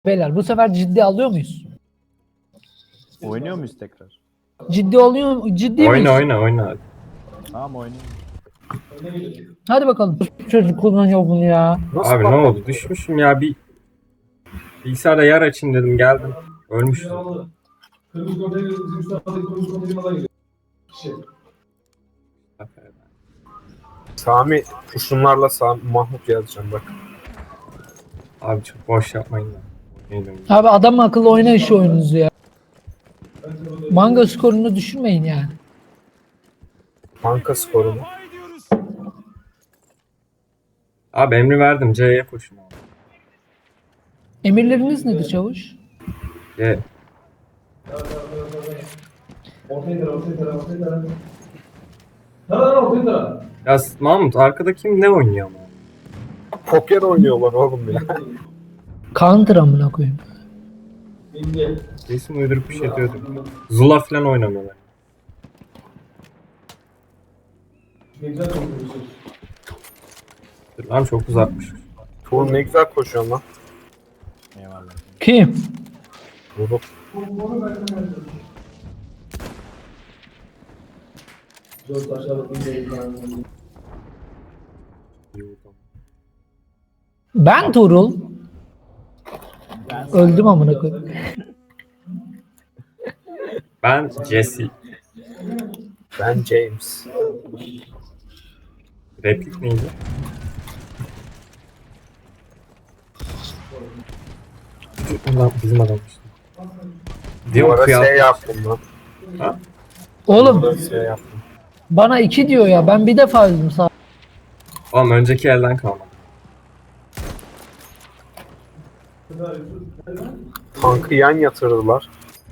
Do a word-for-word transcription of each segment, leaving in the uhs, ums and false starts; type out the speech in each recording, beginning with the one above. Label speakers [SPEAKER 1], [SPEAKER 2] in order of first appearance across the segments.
[SPEAKER 1] Beyler bu sefer ciddi alıyor muyuz?
[SPEAKER 2] Oynuyor muyuz tekrar?
[SPEAKER 1] Ciddi oluyor mu? Ciddi miyiz?
[SPEAKER 3] Oyna oyna oyna.
[SPEAKER 2] Tamam oynayalım.
[SPEAKER 1] Hadi bakalım. Çocuk kullanıyor bunu ya.
[SPEAKER 4] Nasıl
[SPEAKER 3] Abi ne
[SPEAKER 4] patladı?
[SPEAKER 3] oldu? Düşmüşüm ya bir bilgisayarda yer açayım dedim geldim. Ölmüştüm.
[SPEAKER 5] Kırmızı konteyner, bizim üst taraftaki kırmızı konteynerden geliyor. Şey.
[SPEAKER 4] Sami kurşunlarla Sami Mahmut yazacağım bak.
[SPEAKER 3] Abi çok boş yapmayın da. Oynayalım.
[SPEAKER 1] Abi adam akıllı oyna şu oyununuzu ya. Manga skorunu düşürmeyin yani.
[SPEAKER 4] Banka skorunu.
[SPEAKER 3] Abi emri verdim C'ye koşun abi.
[SPEAKER 1] Emirleriniz nedir çavuş?
[SPEAKER 3] C.
[SPEAKER 5] Konteyner, konteyner, konteyner. Nereden konteyner?
[SPEAKER 3] Ya Mahmut arkada kim ne oynuyor ama?
[SPEAKER 4] Poker oynuyorlar oğlum ya.
[SPEAKER 1] Counter amına koyayım.
[SPEAKER 5] İnce.
[SPEAKER 3] Resim uydurup bir şey diyordum. Zula falan oynamıyorlar.
[SPEAKER 5] Ne güzel konuşuyorsun.
[SPEAKER 3] Dur lan çok uzatmış.
[SPEAKER 4] Tuğrul ne güzel koşuyorsun lan.
[SPEAKER 2] Eyvallah.
[SPEAKER 1] Kim?
[SPEAKER 4] Tuğrul.
[SPEAKER 5] Dört aşağıda ince.
[SPEAKER 1] Ben Tuğrul. Öldüm amına koyayım.
[SPEAKER 3] Ben Jesse.
[SPEAKER 4] Ben James.
[SPEAKER 3] Replik neydi? Ulan bizim adam işte.
[SPEAKER 4] Bu
[SPEAKER 3] Diyor
[SPEAKER 4] ara
[SPEAKER 3] kıyafet.
[SPEAKER 4] şey yaptım lan.
[SPEAKER 3] Ha?
[SPEAKER 1] Oğlum
[SPEAKER 4] Bu ara şey yaptım.
[SPEAKER 1] bana iki diyor ya. Ben bir defa öldüm sağ.
[SPEAKER 3] Oğlum önceki elden kalmadı.
[SPEAKER 4] Tankı yan yatırdılar.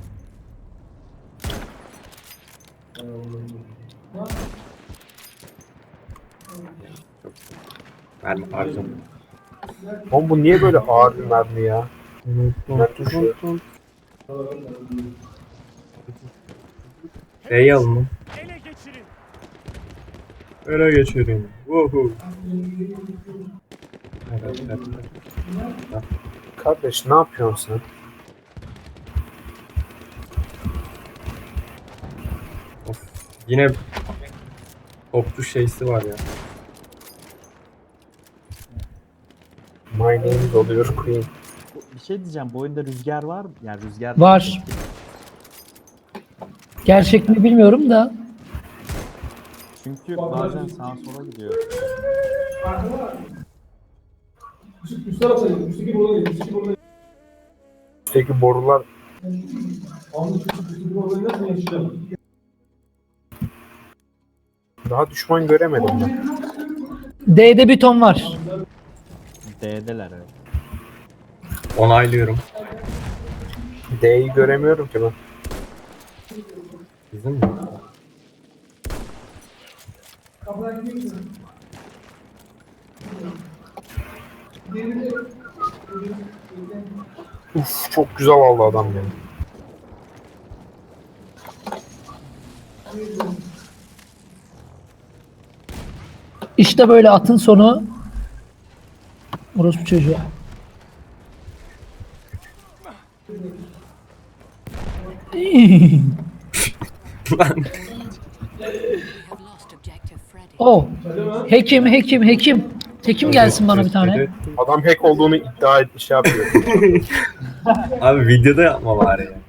[SPEAKER 3] Mermi harcam.
[SPEAKER 4] Oğlum bu niye böyle ağır bir mermi ya? Ben düşüyor.
[SPEAKER 3] D'yi alın lan. Ele geçirin. Woohoo. Evet, evet, evet.
[SPEAKER 4] Kardeş ne yapıyorsun sen?
[SPEAKER 3] Of. Yine topçu şeysi var ya.
[SPEAKER 4] My name is oluyor Queen.
[SPEAKER 2] Bu- Bir şey diyeceğim. Bu oyunda rüzgar var mı? Yani rüzgar
[SPEAKER 1] Var. Gerçek mi bilmiyorum da.
[SPEAKER 2] Çünkü bazen sağa sola gidiyor.
[SPEAKER 5] Üst, üst tarafa gidin. Üstteki buradan gidin. Üstteki buradan gidin.
[SPEAKER 4] Üstteki borular
[SPEAKER 5] Anlı üstteki üstteki buradan nasıl yaşayacağım?
[SPEAKER 4] daha düşman göremedim ben.
[SPEAKER 1] D'de bir ton var.
[SPEAKER 2] D'deler evet.
[SPEAKER 3] Onaylıyorum.
[SPEAKER 4] D'yi göremiyorum ki ben.
[SPEAKER 3] Bizim mi?
[SPEAKER 4] Uf çok güzel aldı adam beni.
[SPEAKER 1] İşte böyle atın sonu. Orospu çocuğu.
[SPEAKER 3] Lan.
[SPEAKER 6] have lost objective Freddy.
[SPEAKER 1] Oh. Hekim, hekim, hekim. Hekim gelsin bana bir tane.
[SPEAKER 4] Adam hack olduğunu iddia etmiş şey yapıyor.
[SPEAKER 3] Abi videoda yapma bari ya.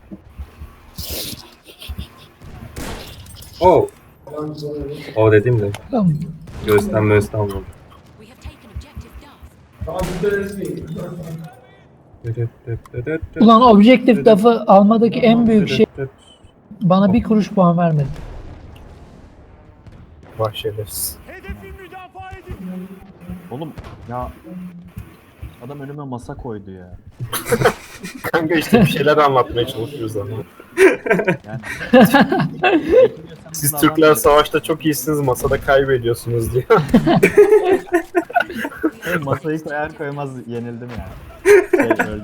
[SPEAKER 3] Oh. O dedim de
[SPEAKER 1] Tamam.
[SPEAKER 3] göğüsten möğüsten vurdu.
[SPEAKER 6] We have taken objective Duff.
[SPEAKER 5] Tamam üstte resmi.
[SPEAKER 1] Ulan objektif lafı almadaki en büyük şey bana bir kuruş puan vermedi.
[SPEAKER 4] Bahşederiz.
[SPEAKER 2] Oğlum ya adam önüme masa koydu ya.
[SPEAKER 4] Kanka işte bir şeyler anlatmaya çalışıyoruz ama.
[SPEAKER 2] Yani
[SPEAKER 4] Siz Türkler savaşta çok iyisiniz, masada kaybediyorsunuz diyor.
[SPEAKER 2] Hey, masayı koyar koymaz yenildim ya. Şey, öldüm.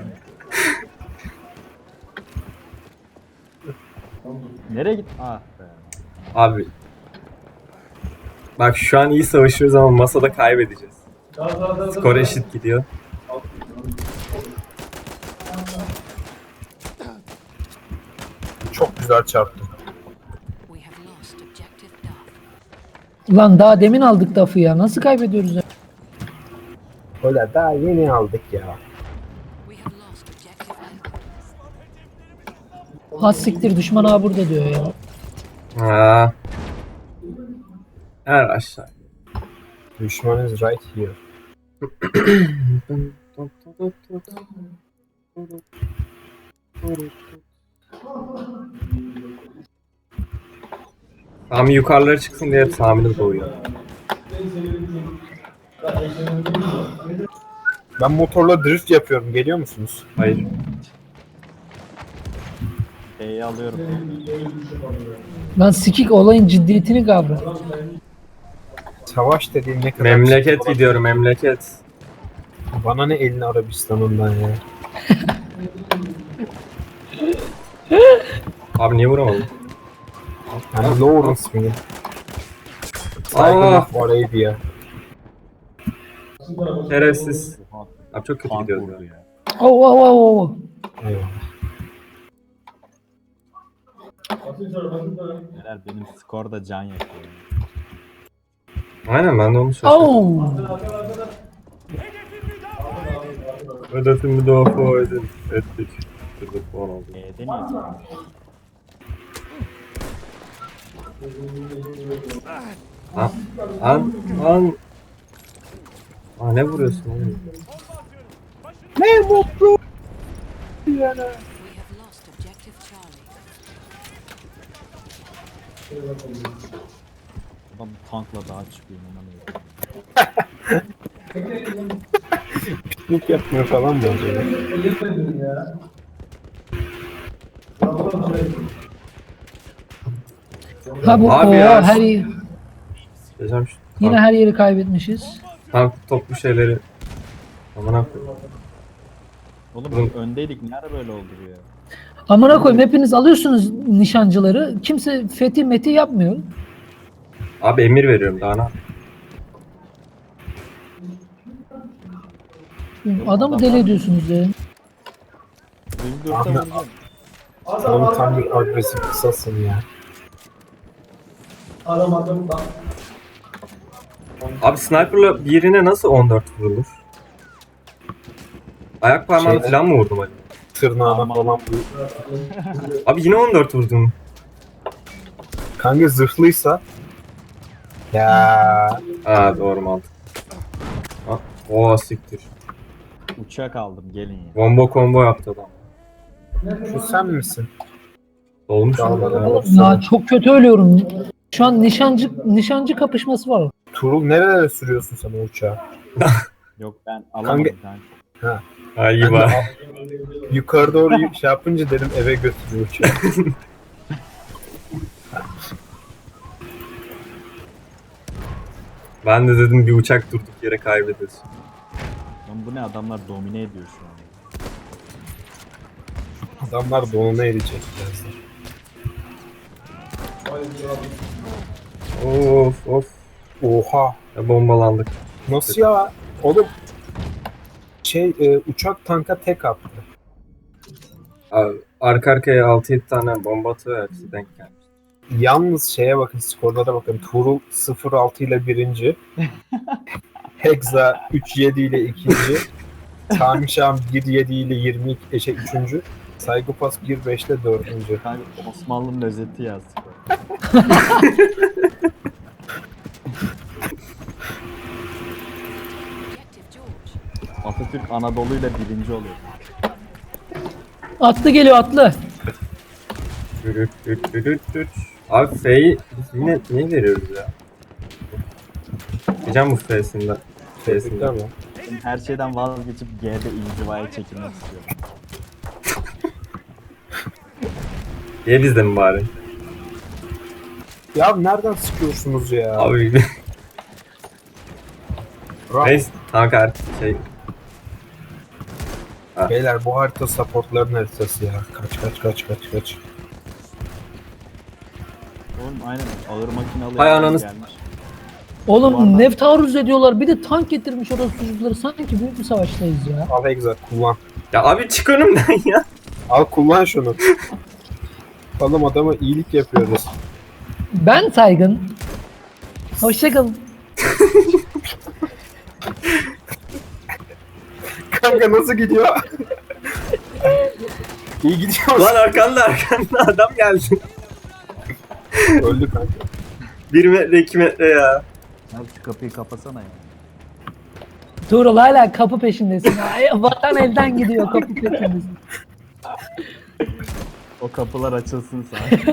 [SPEAKER 2] Nereye git? Ah be.
[SPEAKER 3] Abi. Bak şu an iyi savaşıyoruz ama masada kaybedeceğiz.
[SPEAKER 5] Daha daha daha.
[SPEAKER 3] Skor eşit gidiyor.
[SPEAKER 4] Çok güzel çarptı.
[SPEAKER 6] We have lost objective Duff.
[SPEAKER 1] Lan daha demin aldık Duff'ı ya. Nasıl kaybediyoruz ya?
[SPEAKER 4] Öyle daha yeni aldık ya.
[SPEAKER 6] We have lost objective Edward.
[SPEAKER 1] Az siktir düşman ağa burada diyor ya.
[SPEAKER 3] Ha. Her aşağı.
[SPEAKER 4] Düşman is right here.
[SPEAKER 3] Sami yukarılara çıksın diye Sami'nin doğuyor.
[SPEAKER 4] Ben motorla drift yapıyorum. Geliyor musunuz?
[SPEAKER 3] Hayır.
[SPEAKER 2] E'yi alıyorum.
[SPEAKER 1] Lan sikik olayın ciddiyetini kavra.
[SPEAKER 4] Savaş dediğin ne kadar...
[SPEAKER 3] Memleket gidiyorum memleket.
[SPEAKER 4] Bana ne elini Arabistan'ından ya.
[SPEAKER 3] Abi niye vuramadım?
[SPEAKER 4] Yani Lawrence miyim? Saygın
[SPEAKER 3] Aa,
[SPEAKER 4] of Arabia.
[SPEAKER 3] şerefsiz. Abi çok kötü
[SPEAKER 2] Tank
[SPEAKER 3] gidiyoruz
[SPEAKER 2] vurdu
[SPEAKER 3] ya.
[SPEAKER 2] ya.
[SPEAKER 1] Oh oh oh oh.
[SPEAKER 4] Eyvallah.
[SPEAKER 2] Neler benim skor da can yakıyor.
[SPEAKER 3] Aynen ben de onu söylüyorum.
[SPEAKER 1] Oh.
[SPEAKER 3] Hedefimi müdafaa edin. Ettik. Şurada puan aldım.
[SPEAKER 2] E'de niye tutuyorsun?
[SPEAKER 3] Lan lan lan. Aa ne vuruyorsun oğlum?
[SPEAKER 4] Ne mutlu.
[SPEAKER 6] We have lost objective Charlie.
[SPEAKER 2] Adam tankla daha çıkıyor inanamıyorum.
[SPEAKER 4] Piknik yapmıyor falan mı acaba?
[SPEAKER 1] Ha bu
[SPEAKER 3] Abi
[SPEAKER 1] o
[SPEAKER 3] ya.
[SPEAKER 1] her yeri-
[SPEAKER 3] Geçeceğim şu
[SPEAKER 1] yine
[SPEAKER 3] tank,
[SPEAKER 1] her yeri kaybetmişiz.
[SPEAKER 3] tank toplu şeyleri. Aman koyayım.
[SPEAKER 2] Oğlum
[SPEAKER 3] Oğlum.
[SPEAKER 2] öndeydik nerede böyle oldu bu ya?
[SPEAKER 1] Amına koyayım hepiniz alıyorsunuz nişancıları. Kimse fethi meti yapmıyor.
[SPEAKER 3] Abi emir veriyorum daha ne?
[SPEAKER 1] Adamı deli ediyorsunuz ya.
[SPEAKER 2] Düz
[SPEAKER 4] Ahmet-
[SPEAKER 2] dörtte vuracağım.
[SPEAKER 4] Sen tam bir agresif kısasın ya.
[SPEAKER 5] Aramadım bak.
[SPEAKER 3] Abi sniper'la birine nasıl on dört vurulur? Ayak parmağını
[SPEAKER 4] Şeyde-
[SPEAKER 3] falan mı vurdum acaba?
[SPEAKER 4] Tırnağına
[SPEAKER 2] Aman.
[SPEAKER 4] falan.
[SPEAKER 3] Abi yine on dört vurdum.
[SPEAKER 4] Kanka zırhlıysa. Ya.
[SPEAKER 3] Ha doğru mantık. Ha, o siktir.
[SPEAKER 2] Uçak aldım gelin ya.
[SPEAKER 3] Combo combo yaptı adam.
[SPEAKER 4] Şu sen misin?
[SPEAKER 3] Olmuş mu?
[SPEAKER 4] Dağlara
[SPEAKER 3] Ya?
[SPEAKER 4] bak.
[SPEAKER 1] Ya çok kötü ölüyorum. Şu an nişancı nişancı kapışması var.
[SPEAKER 4] Tuğrul nerelere sürüyorsun sen o uçağı?
[SPEAKER 2] Yok ben alamadım kanka.
[SPEAKER 3] Ha iyi
[SPEAKER 4] Ben de
[SPEAKER 3] bak.
[SPEAKER 4] al- yukarı doğru y- şey yapınca dedim eve götürüyor uçağı.
[SPEAKER 3] Ben de dedim bir uçak durduk yere kaybediyorsun.
[SPEAKER 2] Lan bu ne adamlar domine ediyor şu an.
[SPEAKER 4] Adamlar donuna erecek birazdan.
[SPEAKER 3] Of of.
[SPEAKER 4] Oha.
[SPEAKER 3] Ya bombalandık.
[SPEAKER 4] Nasıl ya? Oğlum şey e, uçak tanka tek attı.
[SPEAKER 3] Abi, arka arkaya altı yedi tane bomba atıyor hepsi denk gelmiş.
[SPEAKER 4] Yalnız şeye bakın, skorlara bakın. Tuğrul sıfır altı ile birinci. Hexa üç yedi ile ikinci. Sami Şam bir yedi ile yirmi iki, şey, üçüncü. Saygıpas bir beş ile dördüncü.
[SPEAKER 2] Kanka Osmanlı'nın özeti ya skor.
[SPEAKER 6] Objective George.
[SPEAKER 2] Atatürk Anadolu'yla birinci oluyor.
[SPEAKER 1] Atlı geliyor atlı.
[SPEAKER 3] Dürüt dürüt dürüt dürüt. Abi F'yi biz yine niye veriyoruz ya? Diyeceğim bu F'sinden. F'sinden.
[SPEAKER 4] Tamam.
[SPEAKER 2] Ben her şeyden vazgeçip G'de inzivaya çekilmek istiyorum.
[SPEAKER 3] Ye bizde mi bari?
[SPEAKER 4] Ya nereden sıkıyorsunuz ya?
[SPEAKER 3] Abi
[SPEAKER 4] Bravo.
[SPEAKER 3] neyse kanka artık şey
[SPEAKER 4] Beyler bu harita supportların haritası ya. Kaç kaç kaç kaç kaç.
[SPEAKER 2] Oğlum aynen ağır makinalı
[SPEAKER 3] Hay
[SPEAKER 2] yerden
[SPEAKER 3] ananı-
[SPEAKER 2] gelmiş.
[SPEAKER 1] Oğlum
[SPEAKER 2] Duvardan-
[SPEAKER 1] ne taarruz ediyorlar. Bir de tank getirmiş orası çocukları. Sanki büyük bir savaştayız ya.
[SPEAKER 4] Al Hexa kullan.
[SPEAKER 3] Ya abi çık önümden ya.
[SPEAKER 4] Al kullan şunu. Oğlum adama iyilik yapıyoruz.
[SPEAKER 1] Ben Saygın. Hoşçakalın.
[SPEAKER 4] Kanka nasıl gidiyor? İyi gidiyor.
[SPEAKER 3] Lan arkanda arkanda adam geldi.
[SPEAKER 4] Öldü kanka.
[SPEAKER 3] Bir metre iki metre ya.
[SPEAKER 2] Abi şu kapıyı kapasana ya.
[SPEAKER 1] Tuğrul hala kapı peşindesin. Ay, vatan elden gidiyor kapı peşindesin.
[SPEAKER 2] O kapılar açılsın sana.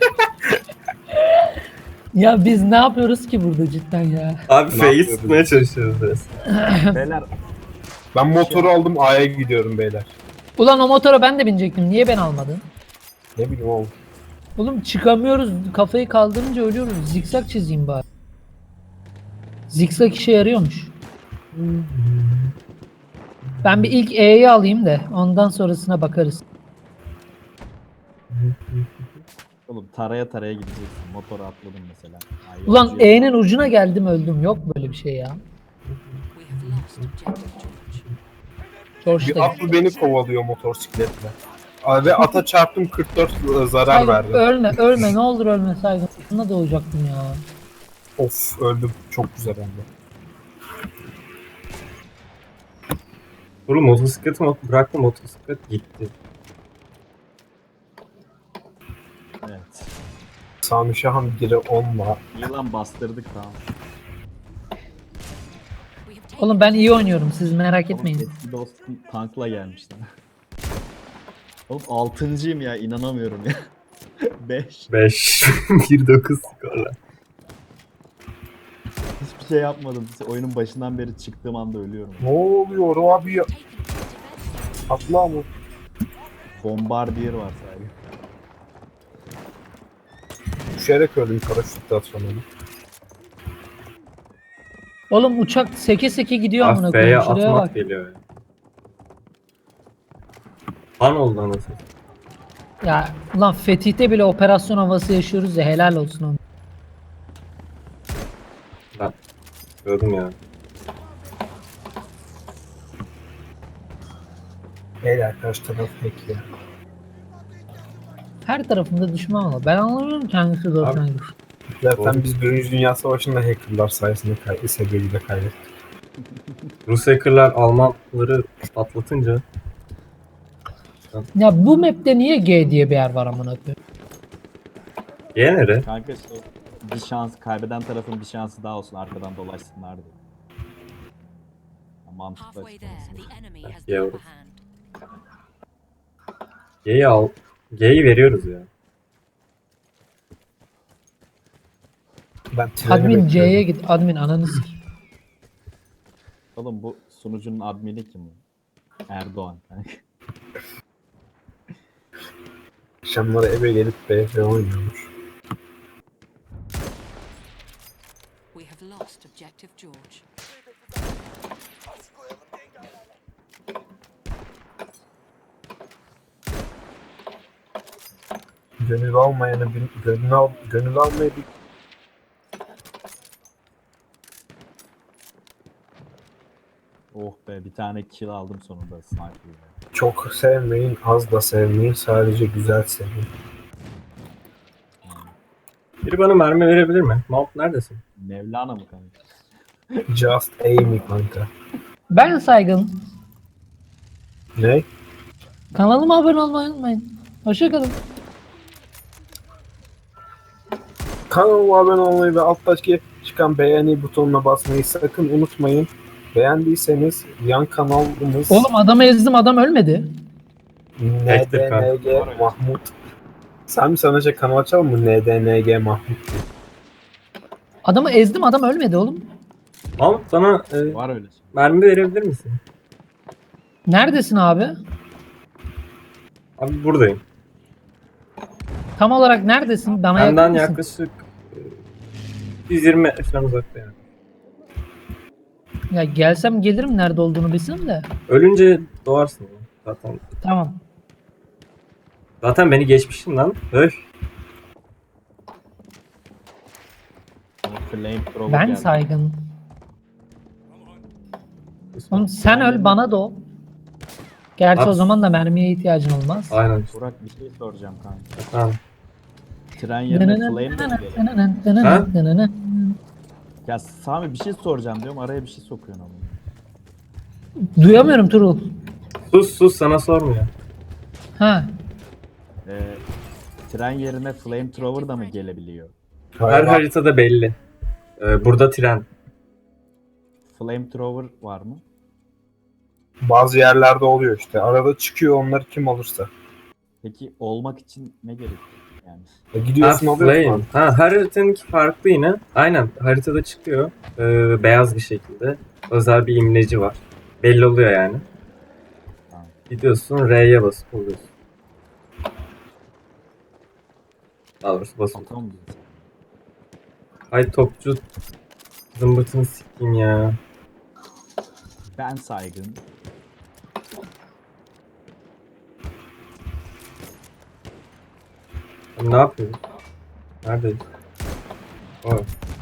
[SPEAKER 1] Ya biz ne yapıyoruz ki burada cidden ya?
[SPEAKER 3] Abi
[SPEAKER 4] Ne
[SPEAKER 3] F'yi
[SPEAKER 4] yapıyoruz?
[SPEAKER 3] sıkmaya çalışıyoruz resmen.
[SPEAKER 2] Beyler
[SPEAKER 4] Ben motoru aldım A'ya gidiyorum beyler.
[SPEAKER 1] Ulan o motora ben de binecektim. Niye ben almadın?
[SPEAKER 4] Ne bileyim oğlum.
[SPEAKER 1] Oğlum çıkamıyoruz. Kafayı kaldırınca ölüyoruz. Zikzak çizeyim bari. Zikzak işe yarıyormuş. Ben bir ilk E'yi alayım da ondan sonrasına bakarız.
[SPEAKER 2] oğlum taraya taraya gideceksin. Motora atladım mesela. Ay,
[SPEAKER 1] Ulan
[SPEAKER 2] yolcu-
[SPEAKER 1] E'nin ucuna geldim öldüm. Yok böyle bir şey ya.
[SPEAKER 6] We have lost objective George.
[SPEAKER 1] George
[SPEAKER 4] Bir
[SPEAKER 1] da
[SPEAKER 4] atlı beni kovalıyor motosikletle. Aa, Ve ata çarptım kırk dört zarar
[SPEAKER 1] Saygın,
[SPEAKER 4] verdim.
[SPEAKER 1] ölme ölme ne olur ölme Saygın. Buna da olacaktım ya.
[SPEAKER 4] Of öldüm. Çok güzel oldu.
[SPEAKER 3] Oğlum motosikleti mot bıraktım motosiklet gitti.
[SPEAKER 2] Evet.
[SPEAKER 4] Sami Şahan biri onla.
[SPEAKER 2] Yılan bastırdık tamam.
[SPEAKER 6] We have taken
[SPEAKER 1] Oğlum ben iyi oynuyorum siz merak
[SPEAKER 2] Oğlum,
[SPEAKER 1] etmeyin.
[SPEAKER 2] eski dostum tankla gelmişti. Oğlum altıncıyım ya inanamıyorum ya. beş.
[SPEAKER 3] beş bir dokuz skorla.
[SPEAKER 2] Hiçbir şey yapmadım. Oyunun başından beri çıktığım anda ölüyorum.
[SPEAKER 4] Ne oluyor abi ya?
[SPEAKER 6] taken objective Edward.
[SPEAKER 4] Atla mı?
[SPEAKER 2] Bombardier var sadece.
[SPEAKER 4] Düşerek öldüm paraşütle atamadım.
[SPEAKER 1] Oğlum uçak seke seke gidiyor amına
[SPEAKER 3] Ah F'ye
[SPEAKER 1] koyayım. Şuraya
[SPEAKER 3] atmak
[SPEAKER 1] bak.
[SPEAKER 3] geliyor ya. Han oldu anasını.
[SPEAKER 1] Ya ulan Fetih'te bile operasyon havası yaşıyoruz ya helal olsun ona.
[SPEAKER 3] Ben gördüm ya.
[SPEAKER 4] Beyler karşı taraf hack ya.
[SPEAKER 1] Her tarafında düşman var. Ben anlamıyorum ki hangisi doğru
[SPEAKER 3] Abi-
[SPEAKER 1] hangisi.
[SPEAKER 4] Zaten
[SPEAKER 3] Doğru.
[SPEAKER 4] biz Birinci Dünya Savaşı'nda hackerlar sayesinde kay sebebiyle kaybettik.
[SPEAKER 3] Rus hackerlar Almanları atlatınca
[SPEAKER 1] Ya bu map'te niye G diye bir yer var amına koyayım?
[SPEAKER 3] G nere?
[SPEAKER 2] Kanka şey bir şans kaybeden tarafın bir şansı daha olsun arkadan dolaşsınlar diye. Ya, mantıklı
[SPEAKER 6] Halfway there,
[SPEAKER 2] açıklaması.
[SPEAKER 6] the enemy has the
[SPEAKER 3] Yeah.
[SPEAKER 6] upper hand.
[SPEAKER 3] G'yi al. G'yi veriyoruz ya.
[SPEAKER 4] Ben treni
[SPEAKER 1] Admin
[SPEAKER 4] bekliyorum.
[SPEAKER 1] C'ye git. Admin ananı sik.
[SPEAKER 2] Oğlum bu sunucunun admini kim? Erdoğan. kanka.
[SPEAKER 4] Akşamları eve gelip B F oynuyormuş.
[SPEAKER 6] We have lost objective George.
[SPEAKER 4] Gönül almayanı bir gönül al gönül almayı bir
[SPEAKER 2] Oh be bir tane kill aldım sonunda sniper'la.
[SPEAKER 4] çok sevmeyin, az da sevmeyin, sadece güzel sevin.
[SPEAKER 3] Biri bana mermi verebilir mi? Mount neredesin?
[SPEAKER 2] Mevlana mı kanka?
[SPEAKER 4] Just aim it kanka.
[SPEAKER 1] Ben Saygın.
[SPEAKER 4] Ne?
[SPEAKER 1] Kanalıma abone olmayı unutmayın. Hoşçakalın.
[SPEAKER 4] Kanalıma abone olmayı ve alttaki çıkan beğeni butonuna basmayı sakın unutmayın. Beğendiyseniz yan kanalımız
[SPEAKER 1] Oğlum adamı ezdim adam ölmedi.
[SPEAKER 4] N D N G Mahmut. Sen mi sana şey kanal açalım mı? N D N G Mahmut.
[SPEAKER 1] Adamı ezdim adam ölmedi oğlum.
[SPEAKER 3] Mount sana e,
[SPEAKER 2] Var öyle şey.
[SPEAKER 3] mermi verebilir misin?
[SPEAKER 1] Neredesin abi?
[SPEAKER 3] Abi buradayım.
[SPEAKER 1] Tam olarak neredesin? Bana
[SPEAKER 3] Benden
[SPEAKER 1] yakın mısın?
[SPEAKER 3] yaklaşık e, yüz yirmi metre falan uzakta yani.
[SPEAKER 1] Ya gelsem gelirim nerede olduğunu bilsem de.
[SPEAKER 3] Ölünce doğarsın ya. Zaten
[SPEAKER 1] Tamam.
[SPEAKER 3] zaten beni geçmişsin lan. Öf.
[SPEAKER 2] Flamethrower
[SPEAKER 1] Ben
[SPEAKER 2] geldi.
[SPEAKER 1] Saygın. Oğlum sen öl bana doğ. Gerçi o
[SPEAKER 3] Abi-
[SPEAKER 1] zaman da mermiye ihtiyacın olmaz.
[SPEAKER 3] Aynen.
[SPEAKER 2] Burak bir şey soracağım kanka.
[SPEAKER 3] Tamam.
[SPEAKER 2] Tren yerine flame de mi gelebilir?
[SPEAKER 3] Ha?
[SPEAKER 2] Ya Sami bir şey soracağım diyorum araya bir şey sokuyorsun ama.
[SPEAKER 1] Duyamıyorum Turul.
[SPEAKER 3] Sus sus sana sormuyor.
[SPEAKER 1] Ha.
[SPEAKER 2] Ee, tren yerine flamethrower da mı gelebiliyor?
[SPEAKER 3] Her haritada belli. Ee, burada tren.
[SPEAKER 2] Flamethrower var mı?
[SPEAKER 4] Bazı yerlerde oluyor işte. Arada çıkıyor onlar kim olursa.
[SPEAKER 2] Peki olmak için ne gerekiyor? Yani
[SPEAKER 4] E
[SPEAKER 3] Ha,
[SPEAKER 4] gidiyorsun alıyorsun.
[SPEAKER 3] flame.
[SPEAKER 4] abi.
[SPEAKER 3] Ha, her haritanınki farklı yine. Aynen haritada çıkıyor. Ee, beyaz bir şekilde. Özel bir imleci var. Belli oluyor yani.
[SPEAKER 2] Tamam.
[SPEAKER 3] Gidiyorsun R'ye basıp oluyorsun. Daha doğrusu basıp.
[SPEAKER 2] atom diyorsun.
[SPEAKER 3] Ay topçu zımbırtını sikeyim ya.
[SPEAKER 2] Ben saygın.
[SPEAKER 3] Ne yapıyoruz? Neredeyiz? Oh.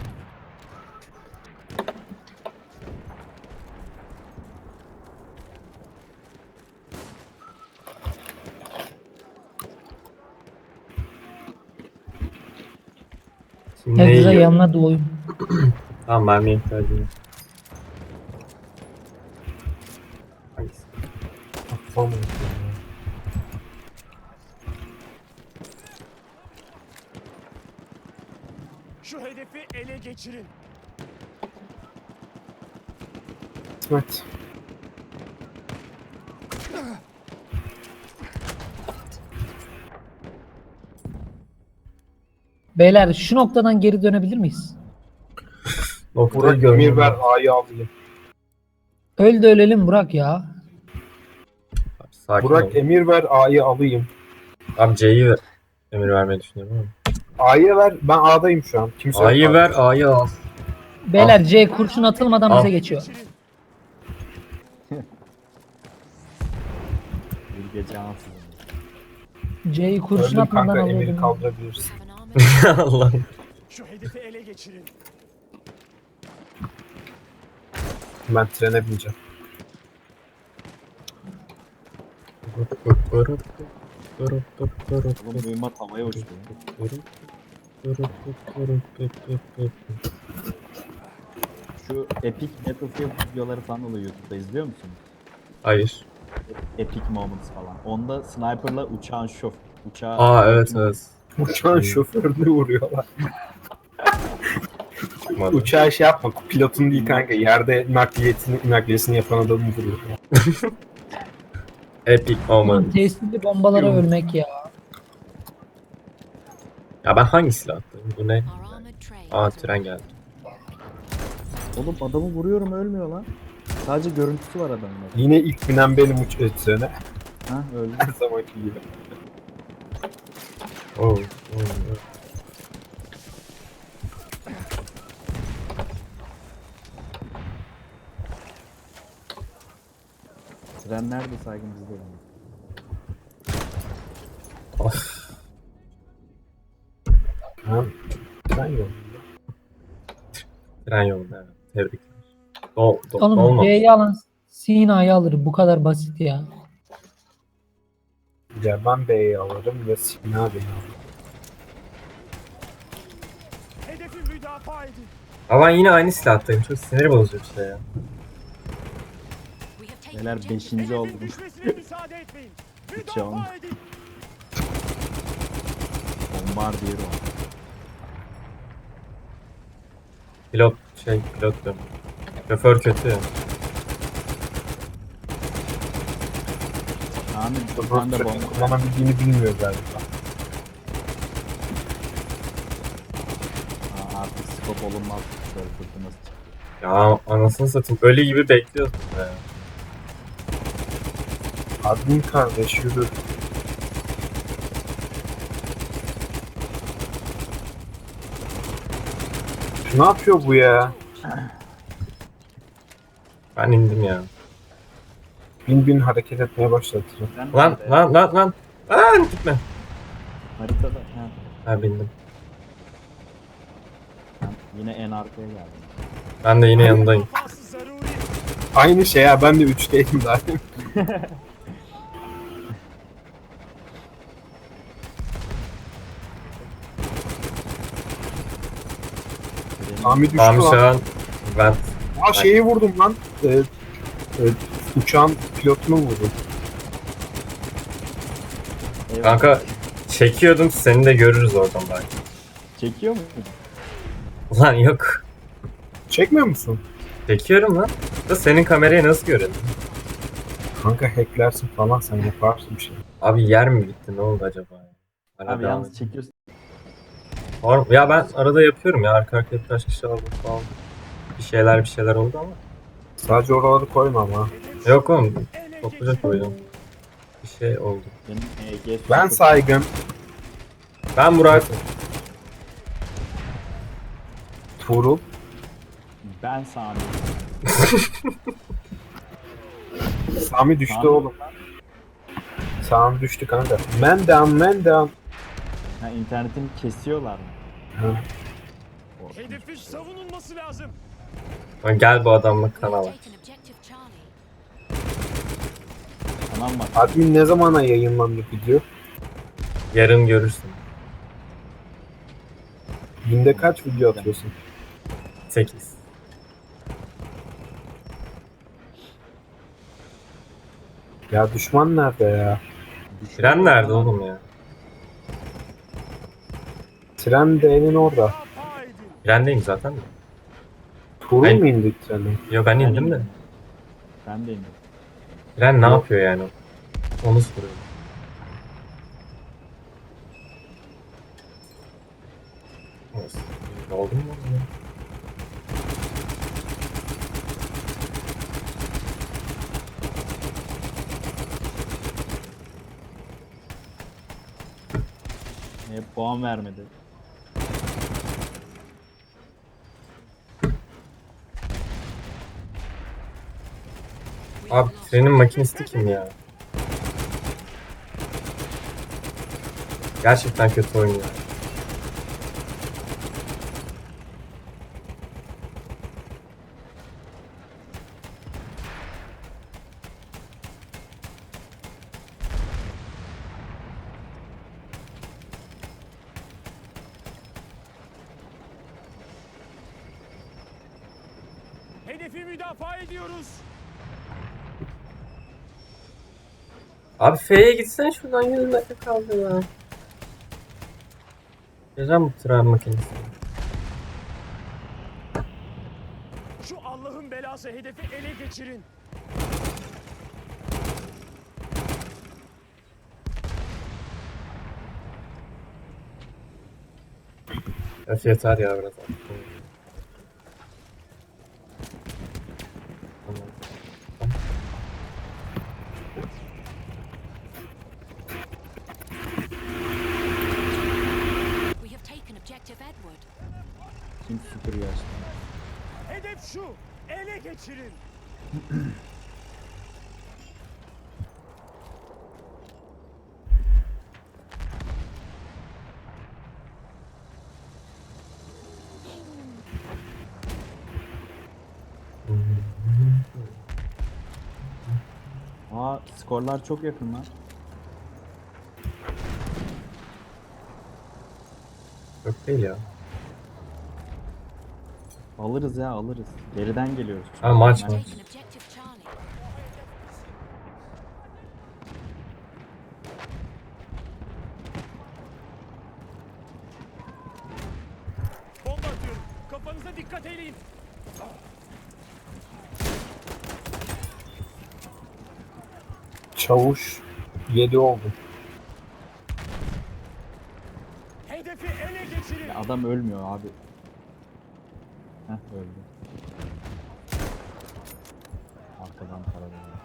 [SPEAKER 3] Şimdi ne
[SPEAKER 1] Herkese
[SPEAKER 3] yiyor?
[SPEAKER 1] yanına dolayım.
[SPEAKER 3] Tamam mermiye ihtiyacım yok. Hangisi?
[SPEAKER 4] Tamam.
[SPEAKER 7] Şu hedefi ele geçirin.
[SPEAKER 4] İsmet.
[SPEAKER 1] Beyler şu noktadan geri dönebilir miyiz?
[SPEAKER 3] Noktayı
[SPEAKER 4] Burak
[SPEAKER 3] görmem
[SPEAKER 4] emir ver
[SPEAKER 3] lazım.
[SPEAKER 4] A'yı alayım.
[SPEAKER 1] Öl de ölelim Burak ya.
[SPEAKER 3] Sakin
[SPEAKER 4] Burak
[SPEAKER 3] ol.
[SPEAKER 4] emir ver A'yı alayım.
[SPEAKER 3] Abi C'yi ver. Emir vermeyi düşünüyorum ama.
[SPEAKER 4] A'yı ver. Ben A'dayım şu an. Kimse yok
[SPEAKER 3] A'yı
[SPEAKER 4] abi.
[SPEAKER 3] ver, A'yı al.
[SPEAKER 1] Beyler C kurşun atılmadan
[SPEAKER 3] Al.
[SPEAKER 1] bize geçiyor.
[SPEAKER 2] Bir gece ansızın.
[SPEAKER 1] C'yi kurşun
[SPEAKER 4] Öldüm
[SPEAKER 1] atmadan
[SPEAKER 4] kanka emiri
[SPEAKER 1] alıyordum.
[SPEAKER 4] kaldırabilirsin.
[SPEAKER 6] Have an armor.
[SPEAKER 3] Allah.
[SPEAKER 7] Şu hedefi ele geçirin.
[SPEAKER 4] Ben trene bineceğim.
[SPEAKER 2] Oğlum mühimmat havaya uçtu. Şu Epic Battlefield videoları falan oluyor YouTube'da izliyor musun?
[SPEAKER 3] Hayır.
[SPEAKER 2] Epic Moments falan. Onda sniper'la uçağın şof uçağı
[SPEAKER 3] Aa evet evet.
[SPEAKER 4] Uçağın şoförünü vuruyorlar.
[SPEAKER 3] Çıkmadı.
[SPEAKER 4] Uçağı şey yapma. Pilotun değil kanka. Yerde nakliyesini, nakliyesini yapan adamı vuruyor.
[SPEAKER 3] Epic
[SPEAKER 1] Aman
[SPEAKER 3] moment.
[SPEAKER 1] tesirli bombalara ölmek ya.
[SPEAKER 3] Ya ben hangi silah attım? Bu ne?
[SPEAKER 6] Our armored train.
[SPEAKER 3] Aa tren geldi.
[SPEAKER 2] Oğlum adamı vuruyorum ölmüyor lan. Sadece görüntüsü var adamın.
[SPEAKER 4] Yine ilk binen benim uç e, trene.
[SPEAKER 2] Ha öldü.
[SPEAKER 4] Her zamanki gibi.
[SPEAKER 3] Oo. oo, oo.
[SPEAKER 2] Tren nerede saygın bizde yani.
[SPEAKER 3] Of.
[SPEAKER 4] Ha? Tren yok.
[SPEAKER 3] Tren yolda evet. Tebrikler. Dol, dol,
[SPEAKER 1] Oğlum
[SPEAKER 3] dolmamış.
[SPEAKER 1] C'yi alan Sina'yı alır. Bu kadar basit ya.
[SPEAKER 4] Ya ben B'yi alırım ya Sina B'yi alırım.
[SPEAKER 7] Hedefi müdafaa edin.
[SPEAKER 3] Ama ben yine aynı silahtayım. Çok sinir bozucu bir şey ya.
[SPEAKER 6] We have taken
[SPEAKER 2] Neler
[SPEAKER 6] objective.
[SPEAKER 2] beşinci oldu.
[SPEAKER 7] Hedefin düşmesine müsaade etmeyin.
[SPEAKER 2] Can.
[SPEAKER 7] Müdafaa edin.
[SPEAKER 2] Bombardier o.
[SPEAKER 3] Pilot şey pilot diyorum. Şoför kötü.
[SPEAKER 2] Ahmet bir tane de
[SPEAKER 4] Treni
[SPEAKER 2] bomba.
[SPEAKER 4] kullanabildiğini bilmiyor galiba.
[SPEAKER 2] Aa, artık skop olunmaz. Böyle fırtınası çıktı.
[SPEAKER 3] Ya anasını satayım. Ölü gibi bekliyorsun be.
[SPEAKER 4] Admin kardeş yürü. Ne yapıyor bu ya?
[SPEAKER 3] Ben indim ya.
[SPEAKER 4] Bin bin hareket etmeye başladı.
[SPEAKER 2] Tren
[SPEAKER 3] Lan
[SPEAKER 2] nerede?
[SPEAKER 3] lan lan lan. Lan gitme.
[SPEAKER 2] Haritada. Ha.
[SPEAKER 3] Ha bindim.
[SPEAKER 2] Ben yine en arkaya geldim.
[SPEAKER 3] Ben de yine yanındayım.
[SPEAKER 7] Müdafası zaruri.
[SPEAKER 4] Aynı şey ya ben de üçteydim daha. Sami düştü
[SPEAKER 3] Tamam şu
[SPEAKER 4] lan.
[SPEAKER 3] an ben
[SPEAKER 4] Aa şeyi vurdum lan. Ee, e, uçağın pilotunu vurdum.
[SPEAKER 2] Eyvallah.
[SPEAKER 3] kanka çekiyordum, seni de görürüz oradan belki.
[SPEAKER 2] Çekiyor mu?
[SPEAKER 3] Ulan yok.
[SPEAKER 4] Çekmiyor musun?
[SPEAKER 3] Çekiyorum lan. Da senin kamerayı nasıl görelim?
[SPEAKER 4] Kanka hacklersin falan, sen yaparsın bir şey.
[SPEAKER 3] Abi yer mi bitti? Ne oldu acaba? Arada
[SPEAKER 2] Abi yalnız çekiyorsun.
[SPEAKER 3] Var- Ya ben arada yapıyorum ya. Arka arkaya birkaç kişi aldım falan. Bir şeyler bir şeyler oldu ama.
[SPEAKER 4] Sadece oraları koyma ama.
[SPEAKER 3] Yok oğlum.
[SPEAKER 7] Ele
[SPEAKER 3] Topluca
[SPEAKER 7] geçirin.
[SPEAKER 3] koydum. Bir şey oldu.
[SPEAKER 2] Benim E G
[SPEAKER 4] Ben saygın.
[SPEAKER 3] Ben Murat.
[SPEAKER 4] Tuğrul.
[SPEAKER 2] Ben Sami.
[SPEAKER 4] Sami düştü
[SPEAKER 2] Sami.
[SPEAKER 4] oğlum. Sami düştü kanka. Man down, man down.
[SPEAKER 2] Ha, internetini kesiyorlar mı?
[SPEAKER 4] Ha.
[SPEAKER 2] Korkunç.
[SPEAKER 7] Hedefin savunulması lazım.
[SPEAKER 3] Lan gel bu adamla
[SPEAKER 6] We have
[SPEAKER 3] kanala.
[SPEAKER 6] taken objective Charlie.
[SPEAKER 2] Tamam bak.
[SPEAKER 4] Admin ne zamana yayınlandı video?
[SPEAKER 3] Yarın görürsün.
[SPEAKER 4] Günde kaç video atıyorsun?
[SPEAKER 3] sekiz.
[SPEAKER 4] Ya düşman nerede ya?
[SPEAKER 3] Tren nerede oğlum ya?
[SPEAKER 4] Tren D'nin orada.
[SPEAKER 7] Müdafaa edin.
[SPEAKER 3] Trendeyim zaten de.
[SPEAKER 4] Tuğrul
[SPEAKER 3] Ben-
[SPEAKER 4] mu indi treni?
[SPEAKER 3] Yo ben indim de.
[SPEAKER 2] Ben de indim.
[SPEAKER 3] Tren ne
[SPEAKER 4] Yok.
[SPEAKER 3] yapıyor yani? Onu soruyorum. Olsun. Oldu mu oğlum ya?
[SPEAKER 2] E, puan vermedi.
[SPEAKER 6] We have
[SPEAKER 3] Abi
[SPEAKER 6] lost
[SPEAKER 3] trenin makinisti kim ya? Gerçekten kötü oynuyor.
[SPEAKER 7] Hedefi müdafaa ediyoruz.
[SPEAKER 3] Abi F'ye gitsen şuradan yüz metre kaldı ya. Geleceğim bu tren makinesi.
[SPEAKER 7] Şu Allah'ın belası hedefi ele geçirin.
[SPEAKER 3] Öf yeter ya biraz artık. Tamam.
[SPEAKER 6] We have taken objective Edward.
[SPEAKER 2] Kim süpürüyor aslında?
[SPEAKER 7] Hedef şu. Ele geçirin.
[SPEAKER 2] Aa, skorlar çok yakın lan.
[SPEAKER 3] Yok değil ya.
[SPEAKER 2] Alırız ya, alırız. Geriden geliyoruz. çünkü.
[SPEAKER 3] Ha, maç
[SPEAKER 2] Maç.
[SPEAKER 3] mı?
[SPEAKER 6] Taken objective Charlie.
[SPEAKER 7] Bomba atıyorum. Kafanıza dikkat edin.
[SPEAKER 4] Çavuş yedi oldu.
[SPEAKER 7] Hedefi ele geçirin.
[SPEAKER 2] Ya adam ölmüyor abi. Heh, öldü. Arkadan para veriyor.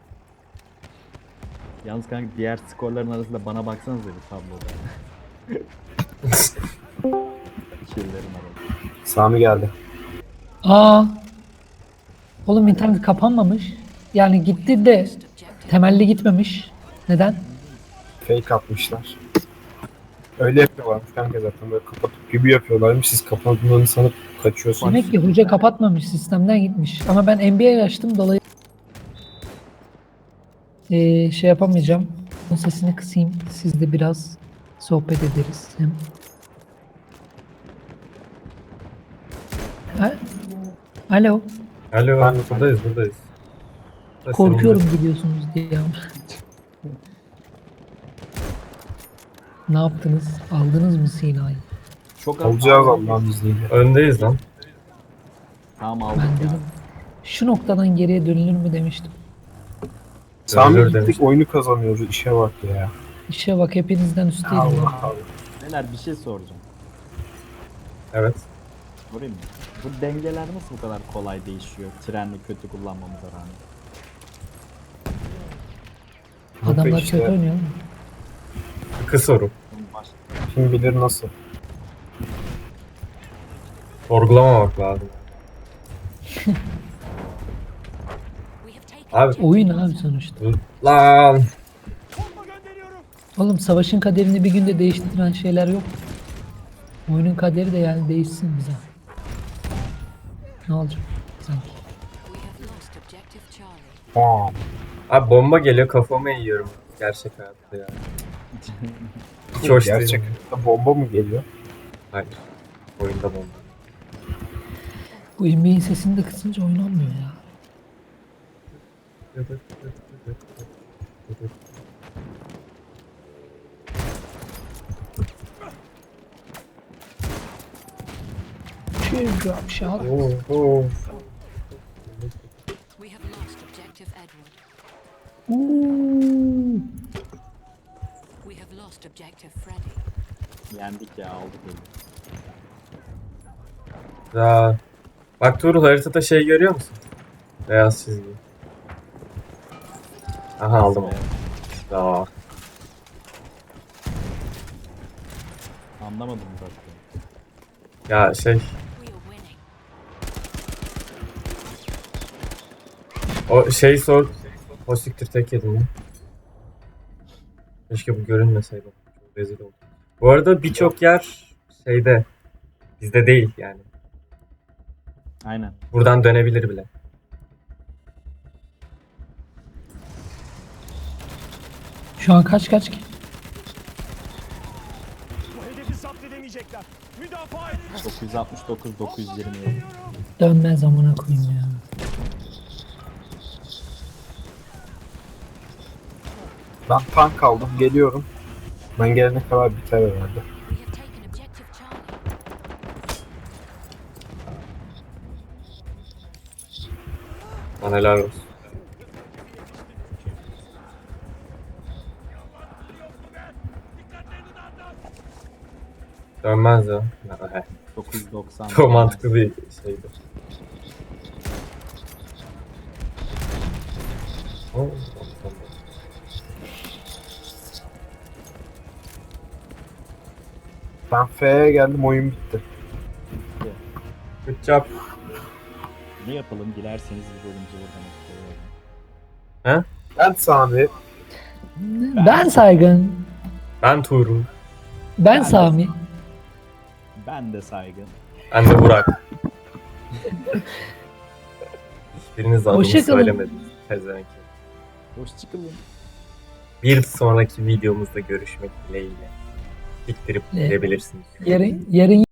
[SPEAKER 2] Yalnız kanka diğer skorların arasında bana baksanıza bir tabloda. Killerin arasında.
[SPEAKER 4] Sami geldi.
[SPEAKER 1] Aa. Oğlum internet kapanmamış. Yani gitti de
[SPEAKER 6] Lost objective.
[SPEAKER 1] temelli gitmemiş. Neden?
[SPEAKER 4] Fake atmışlar. Öyle yapıyorlarmış kanka zaten, böyle kapatıp gibi yapıyorlarmış. Siz kapatıldığını sanıp kaçıyorsunuz.
[SPEAKER 1] Demek ki hoca kapatmamış, sistemden gitmiş. Ama ben N B A açtım dolayı Ee, şey yapamayacağım. Onun sesini kısayım. Siz de biraz sohbet ederiz. Hem Ha? Alo.
[SPEAKER 3] Alo,
[SPEAKER 4] Ben-
[SPEAKER 3] buradayız, buradayız. Da
[SPEAKER 1] Korkuyorum
[SPEAKER 3] senin-
[SPEAKER 1] gidiyorsunuz diye ama. Ne yaptınız? Aldınız mı Sina'yı?
[SPEAKER 2] Çok az
[SPEAKER 4] Olacağız
[SPEAKER 2] aldım.
[SPEAKER 4] Allah'ın izniyle.
[SPEAKER 3] Öndeyiz lan.
[SPEAKER 2] Tamam aldık
[SPEAKER 1] Ben
[SPEAKER 2] ya.
[SPEAKER 1] dedim. Şu noktadan geriye dönülür mü demiştim.
[SPEAKER 4] Sami
[SPEAKER 3] Dönülür
[SPEAKER 4] gittik
[SPEAKER 3] demiştim.
[SPEAKER 4] oyunu kazanıyoruz. İşe bak ya.
[SPEAKER 1] İşe bak hepinizden üstteydim.
[SPEAKER 4] Allah
[SPEAKER 1] ya.
[SPEAKER 4] Allah.
[SPEAKER 2] Neler bir şey soracağım.
[SPEAKER 3] Evet.
[SPEAKER 2] Sorayım mı? Bu dengeler nasıl bu kadar kolay değişiyor? Trenli kötü kullanmamıza rağmen.
[SPEAKER 1] Adamlar
[SPEAKER 4] İşte,
[SPEAKER 1] kötü oynuyor.
[SPEAKER 3] İki soru.
[SPEAKER 2] Bunun baş...
[SPEAKER 4] Kim bilir nasıl.
[SPEAKER 3] Sorgulamamak lazım.
[SPEAKER 6] We have taken
[SPEAKER 3] Abi.
[SPEAKER 1] Oyun abi sonuçta.
[SPEAKER 3] Lan.
[SPEAKER 7] Bomba gönderiyorum.
[SPEAKER 1] Oğlum savaşın kaderini bir günde değiştiren şeyler yok. Oyunun kaderi de yani değişsin bize. Ne olacak sanki?
[SPEAKER 6] we have lost objective Charlie.
[SPEAKER 4] Bam.
[SPEAKER 3] Abi bomba geliyor kafama yiyorum. Gerçek hayatta ya. Hiç hoş değil.
[SPEAKER 4] Gerçek bomba mı geliyor?
[SPEAKER 3] Hayır. Oyunda bomba.
[SPEAKER 1] Bu N B A'in sesini de kısınca oynanmıyor ya. Teardrop shot.
[SPEAKER 3] Oo, oo.
[SPEAKER 6] We have lost objective Edward.
[SPEAKER 1] Uuu.
[SPEAKER 6] We have lost objective Freddy.
[SPEAKER 2] Yendik ya aldık öyle.
[SPEAKER 3] Ya. Bak Tuğrul haritada şey görüyor musun? Beyaz çizgi. Aha aldım onu. Ya.
[SPEAKER 2] Anlamadım zaten.
[SPEAKER 3] Ya şey.
[SPEAKER 6] We are winning.
[SPEAKER 3] O şey sor. O siktir tek yedim ya. Keşke bu görünmeseydi. Çok rezil oldum. Bu arada birçok yer şeyde. Bizde değil yani.
[SPEAKER 2] Aynen.
[SPEAKER 3] Buradan dönebilir bile.
[SPEAKER 1] Şu an kaç kaç ki?
[SPEAKER 7] Bu hedefi zapt edemeyecekler. Müdafaa edin.
[SPEAKER 2] dokuz yüz altmış dokuz dokuz yüz yirmi yedi.
[SPEAKER 1] Dönmez amına koyayım ya.
[SPEAKER 4] Ben tank aldım. Geliyorum. Ben gelene kadar biter herhalde.
[SPEAKER 6] We have taken objective Charlie.
[SPEAKER 3] Bana helal olsun. Dönmez ya. Ya, he.
[SPEAKER 2] dokuz yüz doksan.
[SPEAKER 3] Çok mantıklı bir şeydi. Oo,
[SPEAKER 4] Ben F'ye geldim. Oyun bitti.
[SPEAKER 3] Good job.
[SPEAKER 2] Ne yapalım dilerseniz bir bölümce buradan okuyalım.
[SPEAKER 4] Ben Sami.
[SPEAKER 1] Ben Saygın.
[SPEAKER 3] Ben Tuğrul.
[SPEAKER 1] Ben Sami.
[SPEAKER 2] Ben de saygın.
[SPEAKER 3] Ben de Burak. Hiçbiriniz adımı
[SPEAKER 1] Hoşça kalın.
[SPEAKER 3] söylemediniz. Pezevenk.
[SPEAKER 2] Hoşçakalın.
[SPEAKER 3] Bir sonraki videomuzda görüşmek dileğiyle. Diktirip
[SPEAKER 1] Ne?
[SPEAKER 3] gidebilirsiniz.
[SPEAKER 1] Yarın, yarın